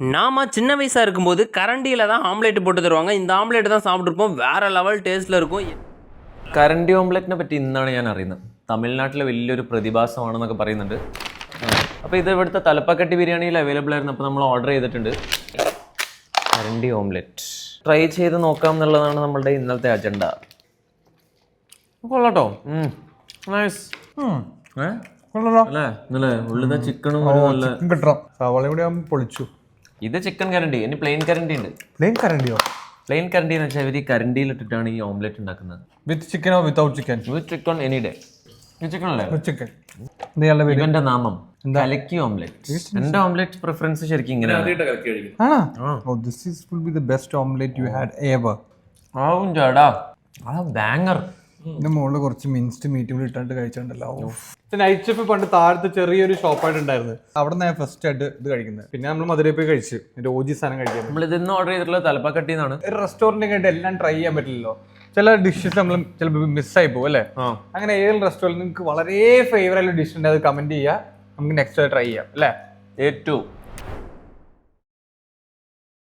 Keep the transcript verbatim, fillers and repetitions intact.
நாம சின்ன வயசாக இருக்கும்போது கரண்டியில் தான் ஆம்லேட் போட்டு தருவாங்க. இந்த ஆம்லேட் தான் சாப்பிட்ருப்போம். வேறு லெவൽ ടേസ്റ്റിൽ இருக்கும். കരണ്ടി ഓംലെറ്റിനെ പറ്റി ഇന്നാണ് ഞാൻ അറിയുന്നത്. തമിഴ്നാട്ടിലെ വലിയൊരു പ്രതിഭാസമാണെന്നൊക്കെ പറയുന്നുണ്ട്. അപ്പോൾ ഇത് ഇവിടുത്തെ തലപ്പക്കട്ടി ബിരിയാണിയിൽ അവൈലബിൾ ആയിരുന്നു. അപ്പോൾ നമ്മൾ ഓർഡർ ചെയ്തിട്ടുണ്ട് കരണ്ടി ഓംലെറ്റ്. ട്രൈ ചെയ്ത് നോക്കാം എന്നുള്ളതാണ് നമ്മളുടെ ഇന്നത്തെ അജണ്ട. കൊള്ളാട്ടോ. നൈസ്. അല്ലേ ഇന്നലെ ഉള്ളിലെ ചിക്കനും കിട്ടണം. സവാള കൂടി ആകുമ്പോൾ പൊളിച്ചു. ഇത് ചിക്കൻ കരണ്ടി. ഇനി പ്ലെയിൻ കരണ്ടി ഉണ്ട്. പ്ലെയിൻ കരണ്ടിയോ? പ്ലെയിൻ കരണ്ടി എന്ന് വെച്ചാൽ ഇവർ ഈ കരണ്ടിയിൽ ഇട്ടിട്ടാണ് ഈ ഓംലെറ്റ് ഉണ്ടാക്കുന്നത്. വിത്ത് ചിക്കനോ without chicken? With chicken any day. Chicken അല്ലേ? ചിക്കൻ. ഇവന്റെ നാമം കലക്കി ഓംലെറ്റ്. എന്റെ ഓംലെറ്റ് പ്രിഫറൻസ് ശരിക്കും ഇങ്ങനെയാണ്. ആവും ചേടാ. ആ ബാങ്ങർ. ഇതിന്റെ മുകളിൽ കുറച്ച് മിൻസ്ഡ് മീറ്റ് കൂടി ഇട്ടാണ്ട് കഴിച്ചിട്ടുണ്ടല്ലോ. നൈറ്റ് ഷെഫ് പണ്ട് താഴത്തെ ചെറിയൊരു ഷോപ്പായിട്ട് ഉണ്ടായിരുന്നു. അവിടെ നിന്ന് ഫസ്റ്റ് ആയിട്ട് ഇത് കഴിക്കുന്നത്. പിന്നെ നമ്മൾ മധുരയിൽ പോയി കഴിച്ചു. എന്റെ ഓജി സാധനം കഴിക്കാൻ. നമ്മൾ ഇതിന്ന് ഓർഡർ ചെയ്തിട്ടുള്ളത് തലപ്പാക്കട്ടി എന്നാണ്. ഒരു റെസ്റ്റോറന്റിൽ കണ്ട് എല്ലാം ട്രൈ ചെയ്യാൻ പറ്റില്ലല്ലോ. ചില ഡിഷസ് നമ്മൾ ചിലപ്പോൾ മിസ്സായി പോകും അല്ലേ? അങ്ങനെ ഏതെങ്കിലും റെസ്റ്റോറൻറ്റ് നിങ്ങൾക്ക് വളരെ ഫേവറേറ്റ് ഡിഷ് ഉണ്ട്, അത് കമന്റ് ചെയ്യുക. നമുക്ക് നെക്സ്റ്റ് ട്രൈ ചെയ്യാം അല്ലേ? ഏറ്റവും